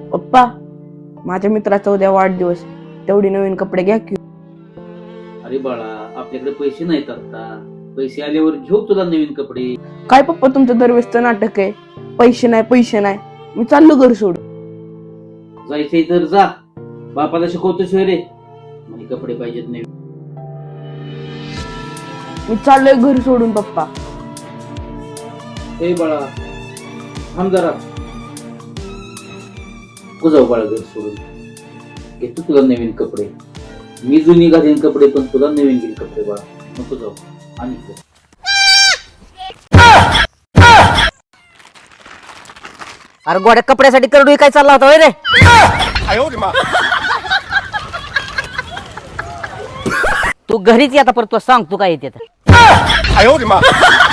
पप्पा, माझ्या मित्राचा उद्या वाढदिवस, तेवढी नवीन कपडे घ्या की. अरे बाळा, आपल्याकडे पैसे नाहीत आता. पैसे आल्यावर घेऊ तुला नवीन कपडे. काय पप्पा तुमचं दरवेळेसचं नाटक आहे, पैसे नाही पैसे नाही. मी चाललो घर सोडून. जायचंय तर जा, बापाला शिकवतोय रे. मला कपडे पाहिजेत नाही. मी चाललोय घर सोडून पप्पा. हे बाळा, थांब जरा. नको जाऊ बाळा घर सोडून. घेतो तुला नवीन कपडे. मी जुनी घालीन कपडे, पण तुला नवीन घेईन कपडे बाळा. नको जाऊ. आणि अरे गोड्या कपड्यासाठी करडू काय चालला होता रे? तू घरीच ये आता, परत तू सांग तू काय येते.